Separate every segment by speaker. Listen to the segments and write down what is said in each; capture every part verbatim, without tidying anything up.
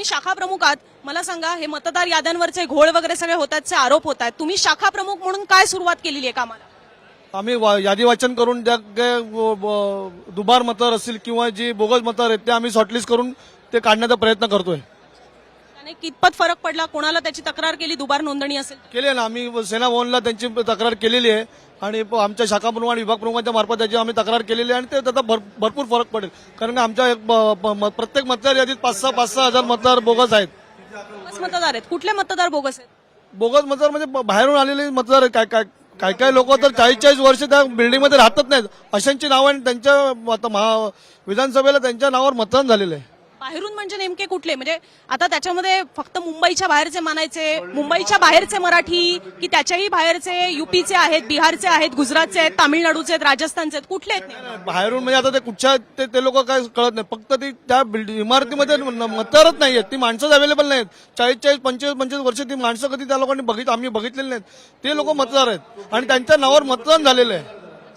Speaker 1: तुम्ही शाखा प्रमुख आहात, मला सांगा हे मतदार याद्यांवरचे घोळ वगैरे सगळे होतातचे आरोप होत आहेत, तुम्ही शाखा प्रमुख म्हणून काय सुरुवात केलेली आहे कामाला?
Speaker 2: आम्ही वा- यादी वाचन करून ज्या काही व- व- दुबार मतदार असतील किंवा जी बोगस मतदार आहेत ते आम्ही शॉर्टलिस्ट करून ते काढण्याचा प्रयत्न करतोय.
Speaker 1: त्याने कितपत फरक पडला? कोणाला त्याची तक्रार केली दुबार नोंदणी असेल?
Speaker 2: केली ना आम्ही सेना भवनला त्यांची तक्रार केलेली आहे आणि प- आमच्या शाखा प्रमुख आणि विभाग प्रमुखांच्या मार्फत त्याची आम्ही तक्रार केलेली आहे आणि ते त्याचा भर- भरपूर फरक पडेल. कारण का आमच्या एक ब- ब- म- प्रत्येक मतदार यादीत पाच सहा पाच सहा हजार मतदार बोगस आहेत.
Speaker 1: बोगस मतदार आहेत. कुठले मतदार बोगस आहेत?
Speaker 2: बोगस मतदार म्हणजे ब- बाहेरून आलेले मतदार आहेत. काय काय काय काय लोक तर चाळीस चाळीस वर्ष त्या बिल्डिंगमध्ये राहतच नाहीत अशांची नावं आणि त्यांच्या मत- महा- विधानसभेला त्यांच्या नावावर मतदान झालेलं आहे.
Speaker 1: बाहेरून म्हणजे नेमके कुठले? म्हणजे आता त्याच्यामध्ये फक्त मुंबईच्या बाहेरचे मानायचे, मुंबईच्या बाहेरचे मराठी की त्याच्याही बाहेरचे युपीचे आहेत, बिहारचे आहेत, गुजरातचे आहेत, तामिळनाडूचे आहेत, राजस्थानचे आहेत, कुठले आहेत नेमके?
Speaker 2: बाहेरून म्हणजे आता ते कुठच्या ते, ते लोक काय कळत नाही. फक्त ती त्या बिल्डिंग इमारतीमध्ये न- मतदारच नाहीयेत. ती माणसंच अवेलेबल नाहीत. चाळीस चाळीस पंचवीस पंचवीस वर्ष ती माणसं कधी त्या लोकांनी बघित आम्ही बघितलेली नाहीत. ते लोक मतदार आहेत आणि त्यांच्या नावावर मतदान झालेलं आहे.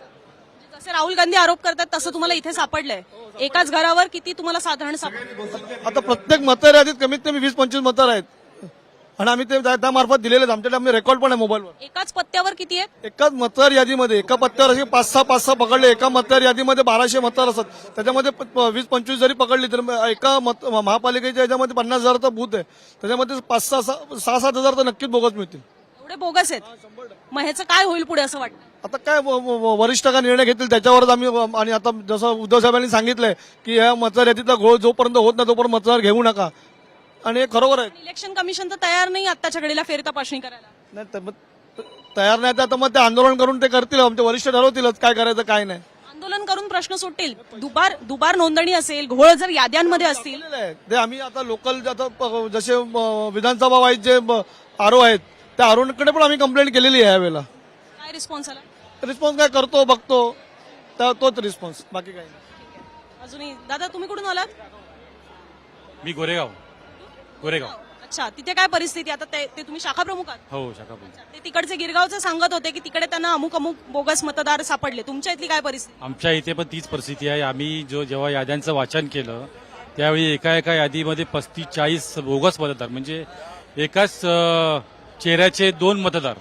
Speaker 1: जसे राहुल गांधी आरोप करतात तसं तुम्हाला इथे सापडलंय. एकाच घरावर किती तुम्हाला साधारण सापडलं?
Speaker 2: आता प्रत्येक मतदार यादीत कमीत कमी वीस पंचवीस मतदार आहेत आणि आम्ही ते त्या- त्यामार्फत दिलेले आहेत. आमच्याकडे आम्ही रेकॉर्ड पण आहे मोबाईलवर.
Speaker 1: एकाच पत्त्यावर किती आहेत?
Speaker 2: एकाच मतदार यादीमध्ये एका पत्त्यावर असे पाच सहा पाच सहा पकडले. एका मतदार यादीमध्ये बाराशे मतदार असतात. त्याच्यामध्ये प- प- वीस पंचवीस जरी पकडली तर मग एका मत महापालिकेच्या याच्यामध्ये पन्नास हजाराचा बूथ आहे. त्याच्यामध्ये पाच सहा सहा सहा सात हजार तर नक्कीच बोगस मिळतील.
Speaker 1: एवढे बोगस आहेत. मग ह्याचं काय होईल पुढे असं वाटतं?
Speaker 2: आता काय व- व- वरिष्ठ का निर्णय घेतील त्याच्यावरच आम्ही आणि आता जसं उद्धव साहेबांनी सांगितलंय की या मतदार यादीतला घोळ जोपर्यंत होत नाही तोपर्यंत मतदार घेऊ नका आणि हे खरोखर आहे.
Speaker 1: इलेक्शन कमिशन तर तयार नाही आत्ताच्या घडीला फेर तपासणी करायला.
Speaker 2: नाही तर मग तयार नाही तर आता मग ते आंदोलन करून ते करतील. आमचे वरिष्ठ ठरवतीलच काय करायचं काय नाही.
Speaker 1: आंदोलन करून प्रश्न सुटतील. दुबार दुबार नोंदणी असेल, घोळ जर याद्यांमध्ये असतील,
Speaker 2: केलेलं आहे. ते आम्ही आता लोकल आता प- जसे अ, विधानसभा वाईज जे आरो आहेत त्या आरोकडे पण आम्ही कंप्लेंट केलेली आहे यावेळेला.
Speaker 1: काय रिस्पॉन्स आला?
Speaker 2: रिस्पॉन्स काय करतो बघतो त्या- तोच रिस्पॉन्स, बाकी काही नाही.
Speaker 1: अजूनही दादा तुम्ही कुठून आलात?
Speaker 3: मी गोरेगाव गोरेगाव
Speaker 1: अच्छा, तिथे काय परिस्थिती आता? ते ते तुम्ही शाखा प्रमुख आहात.
Speaker 3: हो शाखा प्रमुख.
Speaker 1: ते तिकडचे गिरगावचे सांगत होते की तिकडे त्यांना अमुक अमुक बोगस मतदार सापडले. तुमच्या इथली काय परिस्थिती?
Speaker 3: आमच्या इथे पण तीच परिस्थिती आहे. आम्ही जो जेव्हा याद्यांचं वाचन केलं त्यावेळी एका एका यादीमध्ये पस्तीस चाळीस बोगस मतदार म्हणजे एकाच अ, चेहऱ्याचे दोन मतदार,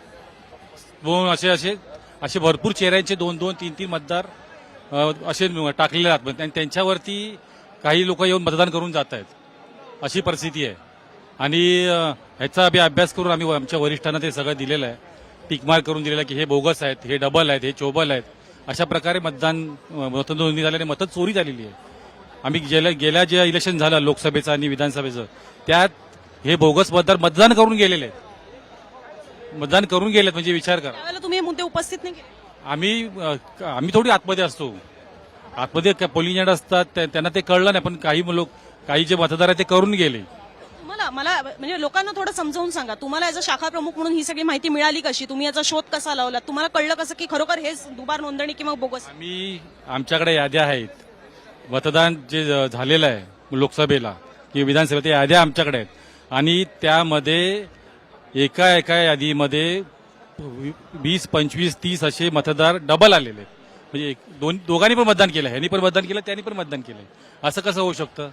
Speaker 3: दोन असे असे असे भरपूर चेहऱ्यांचे दोन दोन तीन तीन मतदार अ, असे टाकलेले आहेत आणि त्यांच्यावरती काही लोक येऊन मतदान करून जात आहेत. अशी परिस्थिती आहे आणि अ, ह्याचा आम्ही अभ्यास करून आम्ही आमच्या वरिष्ठांना ते सगळं दिलेलं आहे. टिकमार्क करून दिलेलं आहे की हे बोगस आहेत, हे डबल आहेत, हे चोबल आहेत. अशा प्रकारे मतदान अ, मतनोंदणी झाल्याने मतं चोरी झालेली आहे. आम्ही गेल्या गेल्या जे इलेक्शन झालं लोकसभेचं आणि विधानसभेचं त्यात हे बोगस मतदार मतदान करून गेलेले आहेत. मतदान करून गेलेत म्हणजे विचार करा.
Speaker 1: त्यावेळेला तुम्ही हे मुद्दे उपस्थित नाही केले.
Speaker 3: आम्ही अ, आम्ही थोडी आतमध्ये असतो. आतमध्ये पोलिंग एजंट असतात त्या- त्यांना ते कळलं नाही पण काही लोक काही जे मतदार आहेत ते करून गेले.
Speaker 1: तुम्हाला मला म्हणजे लोकांना थोडं समजावून सांगा, तुम्हाला याचा शाखा प्रमुख म्हणून ही सगळी माहिती मिळाली कशी? तुम्ही याचा शोध कसा लावला? तुम्हाला कळलं कसं की खरोखर हे दुबार नोंदणी किंवा बोगस?
Speaker 3: आम्ही आमच्याकडे याद्या आहेत. मतदान जे ज- झालेलं आहे लोकसभेला किंवा विधानसभेत त्या याद्या आमच्याकडे आहेत आणि त्यामध्ये एका एका यादीमध्ये वीस पंचवीस तीस असे मतदार डबल आलेले आहेत. म्हणजे एक- दोन दोघांनी पण मतदान केलं, ह्यांनी पण मतदान केलं, त्यांनी पण मतदान केलंय. असं कसं होऊ शकतं?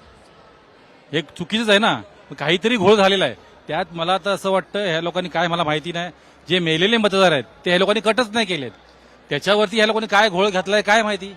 Speaker 3: हे चुकीचंच आहे ना. काहीतरी घोळ झालेला आहे. त्यात मला तर असं वाटतं ह्या लोकांनी काय मला माहिती नाही, जे मेलेले मतदार आहेत ते ह्या लोकांनी कटच नाही केलेत. त्याच्यावरती ह्या लोकांनी काय घोळ घातलाय काय माहिती.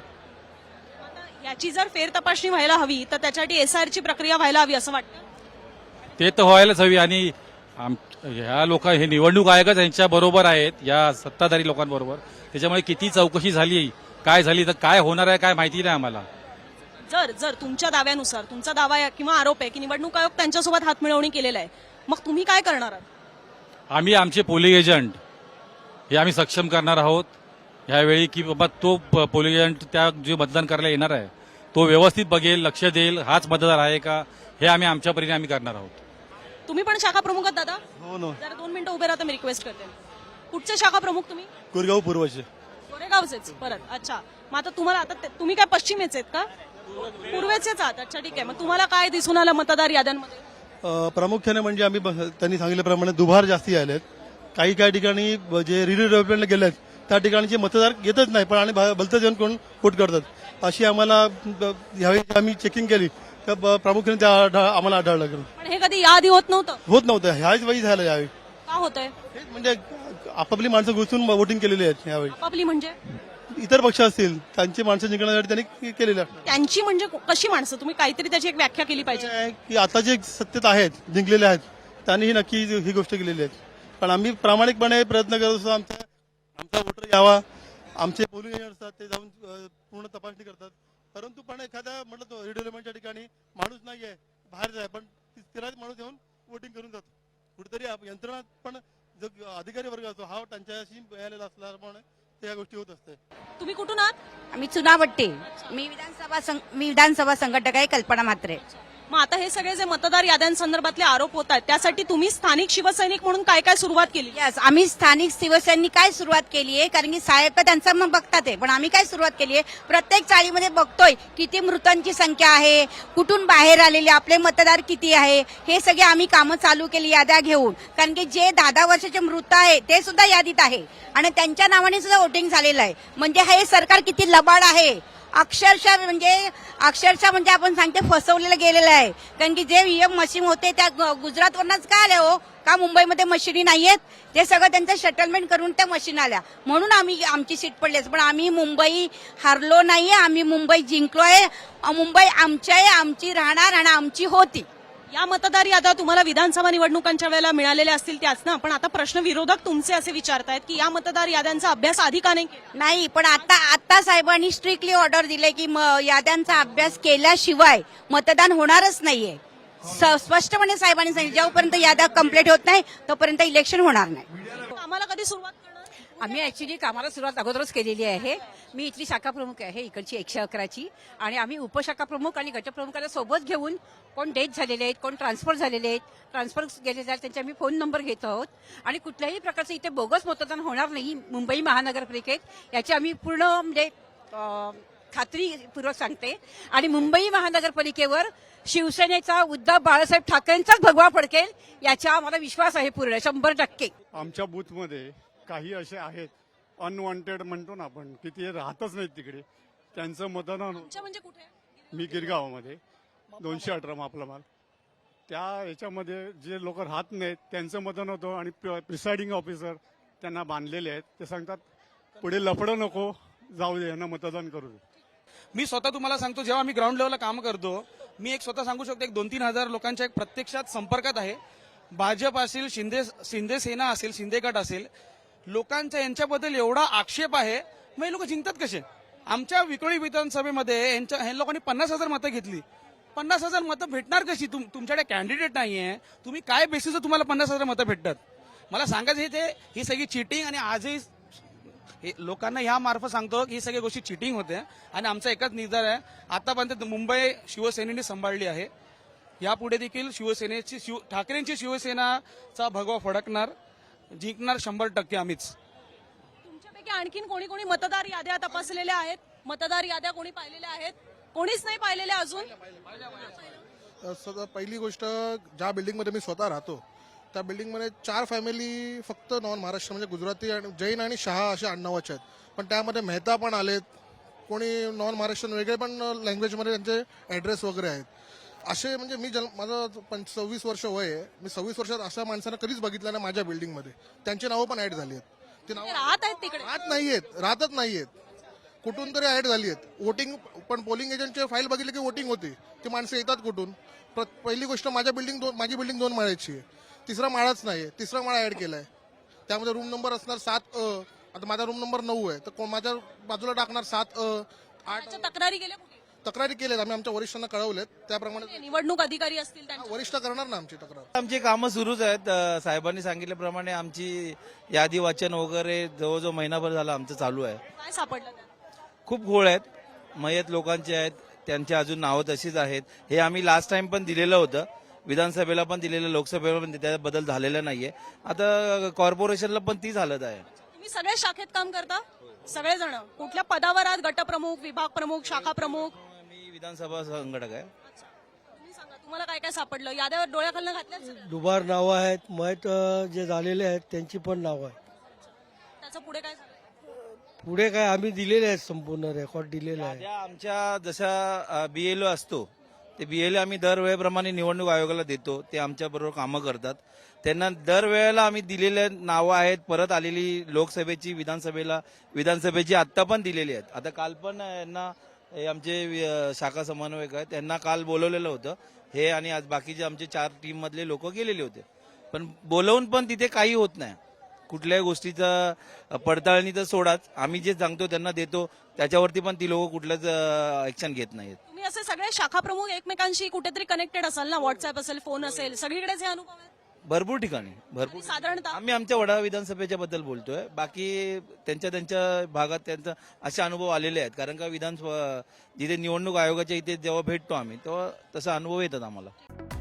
Speaker 1: आता याची जर फेर तपासणी व्हायला हवी तर त्याच्यासाठी एसआयआरची प्रक्रिया व्हायला हवी असं वाटतं.
Speaker 3: ते तर व्हायलाच हवी आणि आम- ह्या लोक हे निवडणूक आयोगच यांच्या बरोबर आहेत या सत्ताधारी लोकांबरोबर. त्याच्यामुळे किती चौकशी झाली काय झाली तर काय होणार आहे काय माहिती नाही आम्हाला.
Speaker 1: जर जर तुमच्या दाव्यानुसार तुमचा दावा आहे किंवा आरोप आहे की निवडणूक आयोग त्यांच्यासोबत हातमिळवणी केलेला आहे, मग तुम्ही काय करणार आहात?
Speaker 3: आम्ही आमचे पोलिंग एजंट हे आम्ही सक्षम करणार आहोत ह्यावेळी की बाबा तो प- पोलिंग एजंट त्या जे मतदान करायला येणार आहे तो व्यवस्थित बघेल, लक्ष देईल, हाच मतदार आहे का हे आम्ही आमच्या परीने आम्ही करणार आहोत.
Speaker 1: तुम्ही पण शाखा प्रमुख आहात दादा?
Speaker 2: हो ना.
Speaker 1: जरा दोन मिनिटं उभे राहता, मी रिक्वेस्ट करते. कुठचे शाखा प्रमुख तुम्ही?
Speaker 2: कोरेगाव पूर्वचे.
Speaker 1: गोरेगावचेच परत. अच्छा, मग आता तुम्हाला आता ते- तुम्ही काय पश्चिमेचे आहेत का? पूर्वेचेच आहात. अच्छा ठीक आहे. मग तुम्हाला काय दिसून आलं मतदार याद्यांमध्ये?
Speaker 4: अ, प्रामुख्याने म्हणजे आम्ही ब- त्यांनी सांगितल्याप्रमाणे दुभार जास्ती आलेत. काही काही ठिकाणी ब- जे रिली डेव्हलपमेंटला गेलेत त्या ठिकाणचे मतदार येतच नाही पण आणि भलतं जेवण करून वोट करतात. अशी आम्हाला ब- यावेळी आम्ही चेकिंग केली का ब- प्रामुख्याने त्या आढळ- आम्हाला आढळलं.
Speaker 1: पण हे कधी याआधी होत नव्हतं.
Speaker 4: होत नव्हतं, ह्याच वेळी झालं यावेळी.
Speaker 1: का होतंय?
Speaker 4: हेच म्हणजे आपापली माणसं घुसून वोटिंग केलेली आहेत यावेळी.
Speaker 1: आपापली म्हणजे
Speaker 4: इतर पक्ष असतील त्यांची माणसं जिंकण्यासाठी त्यांनी केलेलं आहे.
Speaker 1: त्यांची म्हणजे कशी माणसं? तुम्ही काहीतरी त्याची एक व्याख्या केली पाहिजे.
Speaker 4: काय आहे की आता जे सत्तेत आहेत जिंकलेले आहेत त्यांनी ही नक्की ही गोष्ट केलेली आहे. पण आम्ही प्रामाणिकपणे प्रयत्न करत असतो आमचा आमचा वोटर यावा. आमचे पोलिंग एजंट असतात ते जाऊन अ, पूर्ण तपासणी करतात. परंतु पण एखाद्या म्हटलं तो रिडेव्हलपमेंटच्या ठिकाणी माणूस नाही आहे, बाहेर आहे, पण तिलाच माणूस येऊन वोटिंग करून जातो. कुठेतरी आप- यंत्रणा पण जो अधिकारी वर्ग असतो हा त्यांच्याशी मिळालेला असल्यामुळे त्या गोष्टी होत असते.
Speaker 1: तुम्ही कुठून आहात?
Speaker 5: आम्ही चुनावट्टी. मी विधानसभा सं- मी विधानसभा संघटक आहे, कल्पना म्हात्रे.
Speaker 1: मग आता हे सगळे जे मतदार याद्यांसंदर्भातले आरोप होत आहेत त्यासाठी तुम्ही स्थानिक शिवसैनिक म्हणून काय काय सुरुवात केली?
Speaker 5: यस, आम्ही स्थानिक शिवसैनिक काय सुरुवात केली आहे, कारण की साहेब तर त्यांचं मग बघतात आहे, पण आम्ही काय सुरुवात केली आहे, प्रत्येक चाळीमध्ये बघतोय किती मृतांची संख्या आहे, कुठून बाहेर आलेले आपले मतदार किती आहे, हे सगळे आम्ही कामं चालू केली याद्या घेऊन. कारण की जे दहा दहा वर्षाचे मृत आहे ते सुद्धा यादीत आहे आणि त्यांच्या नावाने सुद्धा वोटिंग झालेलं आहे. म्हणजे हे सरकार किती लबाड आहे, अक्षरशः म्हणजे अक्षरशः म्हणजे आपण सांगते फसवलेलं गेलेलं आहे. कारण की जे ईएम मशीन होते त्या गु- गुजरातवरनच का आल्या हो, का मुंबईमध्ये मशिनी नाहीयेत? ते सगळं त्यांचं सेटलमेंट करून त्या मशीन आल्या म्हणून आम्ही आमची सीट पडलीच. पण आम्ही मुंबई हारलो नाहीये, आम्ही मुंबई जिंकलोय. मुंबई आमची आहे, आमची राहणार आणि आमची होती.
Speaker 1: या मतदार याद्या तुम्हाला विधानसभा निवडणुकांच्या वेळेला मिळालेल्या असतील त्याच ना. पण आता प्रश्न विरोधक तुमचे असे विचारतायत की या मतदार याद्यांचा अभ्यास आधी का नाही केला?
Speaker 5: नाही, पण आता आता साहेबांनी स्ट्रिक्टली ऑर्डर दिले की म- याद्यांचा अभ्यास केल्याशिवाय मतदान होणारच नाहीये. स- स्पष्टपणे साहेबांनी सांगितलं जोपर्यंत याद्या कंप्लीट होत नाही तोपर्यंत इलेक्शन होणार नाही.
Speaker 1: आम्हाला कधी सुरुवात करणार?
Speaker 6: आम्ही ऍक्च्युली कामाला सुरुवात अगोदरच केलेली आहे. मी इथली शाखा प्रमुख आहे इकडची एकशे अकराची, आणि आम्ही उपशाखा प्रमुख आणि गटप्रमुखाला सोबत घेऊन कोण डेथ झालेले आहेत, कोण ट्रान्सफर झालेले आहेत, ट्रान्सफर गेलेले आहेत त्यांचे आम्ही फोन नंबर घेत आहोत. आणि कुठल्याही प्रकारचं इथे बोगस मतदान होणार नाही मुंबई महानगरपालिकेत याची आम्ही पूर्ण म्हणजे अं, खात्रीपूर्वक सांगते. आणि मुंबई महानगरपालिकेवर शिवसेनेचा उद्धव बाळासाहेब ठाकरेंचाच भगवा फडकेल याचा आम्हाला विश्वास आहे पूर्ण शंभर टक्के.
Speaker 7: आमच्या बूथमध्ये काही असे आहेत अनवॉन्टेड म्हणतो ना आपण, की ते राहतच नाहीत तिकडे, त्यांचं मतदान
Speaker 1: तुमच्या म्हणजे कुठे?
Speaker 7: मी गिरगावामध्ये दोनशे अठरा मापला माल त्या याच्यामध्ये जे लोक राहत नाहीत त्यांचं मतदान होतं आणि प्रिसाइडिंग ऑफिसर त्यांना बांधलेले आहेत. ते सांगतात पुढे लफडं नको, जाऊ दे यांना मतदान करू दे.
Speaker 8: मी स्वतः तुम्हाला सांगतो, जेव्हा मी ग्राउंड लेवलला काम करतो, मी एक स्वतः सांगू शकतो एक दोन तीन हजार लोकांच्या एक प्रत्यक्षात संपर्कात आहे. भाजप असेल, शिंदे शिंदे सेना असेल, शिंदे गट असेल, लोकांचा यांच्याबद्दल एवढा आक्षेप आहे. मग हे लोक जिंकतात कसे? आमच्या विक्रोळी विधानसभेमध्ये यांच्या ह्या लोकांनी पन्नास हजार मतं घेतली. पन्नास हजार मतं भेटणार कशी? तुम तुमच्याकडे कॅन्डिडेट नाहीये, तुम्ही काय बेसिसवर तुम्हाला पन्नास हजार मतं भेटतात? मला सांगायचं हे ते ही सगळी चिटिंग. आणि आजही हे लोकांना ह्या मार्फत सांगतो की ही सगळी गोष्टी चिटिंग होते. आणि आमचा एकच निर्धार आहे, आतापर्यंत मुंबई शिवसेनेने सांभाळली आहे, यापुढे देखील शिवसेनेची शिव ठाकरेंची शिवसेनाचा भगवा फडकणार, जिंकणार शंभर टक्के आम्हीच.
Speaker 1: तुमच्यापैकी आणखीन कोणी कोणी मतदार याद्या तपासलेल्या आहेत? मतदार याद्या कोणी पाहिलेल्या आहेत? कोणीच नाही पाहिलेल्या अजून?
Speaker 9: सध्या पहिली गोष्ट, ज्या बिल्डिंगमध्ये मी स्वतः राहतो त्या बिल्डिंगमध्ये चार फॅमिली फक्त नॉन महाराष्ट्र म्हणजे गुजराती आणि जैन आणि शहा असे आडनावाचे आहेत. पण त्यामध्ये मेहता पण आलेत, कोणी नॉन महाराष्ट्रीयन वेगळे पण लँग्वेजमध्ये त्यांचे ॲड्रेस वगैरे आहेत. असे म्हणजे मी जन्म माझं पं सव्वीस वर्ष वय आहे, मी सव्वीस वर्षात अशा माणसांना कधीच बघितलं नाही माझ्या बिल्डिंगमध्ये. त्यांची नावं पण ऍड झाली आहेत. ते नावं
Speaker 1: राहत आहेत तिकडे?
Speaker 9: राहत नाहीयेत, राहतच नाहीयेत, कुठून तरी ऍड झाली आहेत. वोटिंग पण पोलिंग एजंटचे फाईल बघितली की वोटिंग होती. ती माणसं येतात कुठून? पहिली गोष्ट, माझ्या बिल्डिंग दोन माझी बिल्डिंग दोन माळ्याची आहे, तिसरा माळाच नाही, तिसरा माळा ऍड केलाय. त्यामध्ये रूम नंबर असणार सात अ. आता माझा रूम नंबर नऊ आहे, तर माझ्या बाजूला टाकणार सात अ आठ.
Speaker 1: त्याच्या तक्रारी गेल्या कुठे?
Speaker 9: तक्रारी केल्यात, आम्ही आमच्या वरिष्ठांना कळवलेत, त्याप्रमाणे
Speaker 1: निवडणूक अधिकारी असतील त्यांच्या?
Speaker 9: वरिष्ठ करणार ना आमची तक्रार.
Speaker 10: आमची कामं सुरूच आहेत. अ, साहेबांनी सांगितल्याप्रमाणे आमची यादी वाचन वगैरे जवळजवळ महिनाभर झाला आमचं चालू आहे.
Speaker 1: काय सापडलं त्यात?
Speaker 10: खूप घोळ आहेत, मयत लोकांचे आहेत, त्यांची अजून नावं तशीच आहेत. हे आम्ही लास्ट टाइम पण दिलेलं होतं, विधानसभेला पण दिलेलं, लोकसभेला पण त्यात बदल झालेला नाहीये. आता कॉर्पोरेशनला पण तीच हालत आहे.
Speaker 1: तुम्ही सगळ्या शाखेत काम करता? सगळेजण कुठल्या पदावर आहात? गटप्रमुख, विभाग प्रमुख, शाखा प्रमुख?
Speaker 10: मी विधानसभा संघटक आहे.
Speaker 1: तुम्ही सांगा, तुम्हाला काय काय सापडलं? याद्यावर डोळ्याखालनं घातल्या सगळ्या?
Speaker 11: दुबार नावं आहेत, मयत जे झालेले आहेत त्यांची पण नावं आहेत.
Speaker 1: त्याचं पुढे काय झालं?
Speaker 11: पुढे काय आम्ही दिलेले आहेत, संपूर्ण रेकॉर्ड दिलेले आहे.
Speaker 10: याद्या आमच्या जशा बीएलओ असतो ते बीएलए आम्ही दरवेळेप्रमाणे निवडणूक आयोगाला देतो, ते आमच्याबरोबर कामं करतात. त्यांना दरवेळेला आम्ही दिलेले नावं आहेत, परत आलेली लोकसभेची, विधानसभेला विधानसभेची आत्ता पण दिलेली आहेत. आता काल पण यांना हे आमचे वि- शाखा समन्वयक आहेत, त्यांना काल बोलवलेलं होतं हे, आणि आज बाकीचे आमचे चार टीम मधले लोक गेलेले होते. पण बोलवून पण तिथे काही होत नाही. कुठल्याही गोष्टीचा पडताळणी तर सोडाच, आम्ही जे सांगतो त्यांना देतो, त्याच्यावरती पण ती लोक कुठलंच ऍक्शन घेत नाहीत.
Speaker 1: तुम्ही असे सगळे शाखा प्रमुख एकमेकांशी कुठेतरी कनेक्टेड असाल ना, व्हॉट्सअप असेल, फोन असेल, सगळीकडेच हे अनुभव आहेत
Speaker 10: भरपूर ठिकाणी भरपूर
Speaker 1: साधारणतः
Speaker 10: आम्ही आमच्या वडा विधानसभेच्या बद्दल बोलतोय. बाकी त्यांच्या त्यांच्या भागात त्यांचा असे अनुभव आलेले आहेत, कारण का विधान जिथे निवडणूक आयोगाच्या इथे जेव्हा भेटतो आम्ही तेव्हा तसा अनुभव येतात आम्हाला.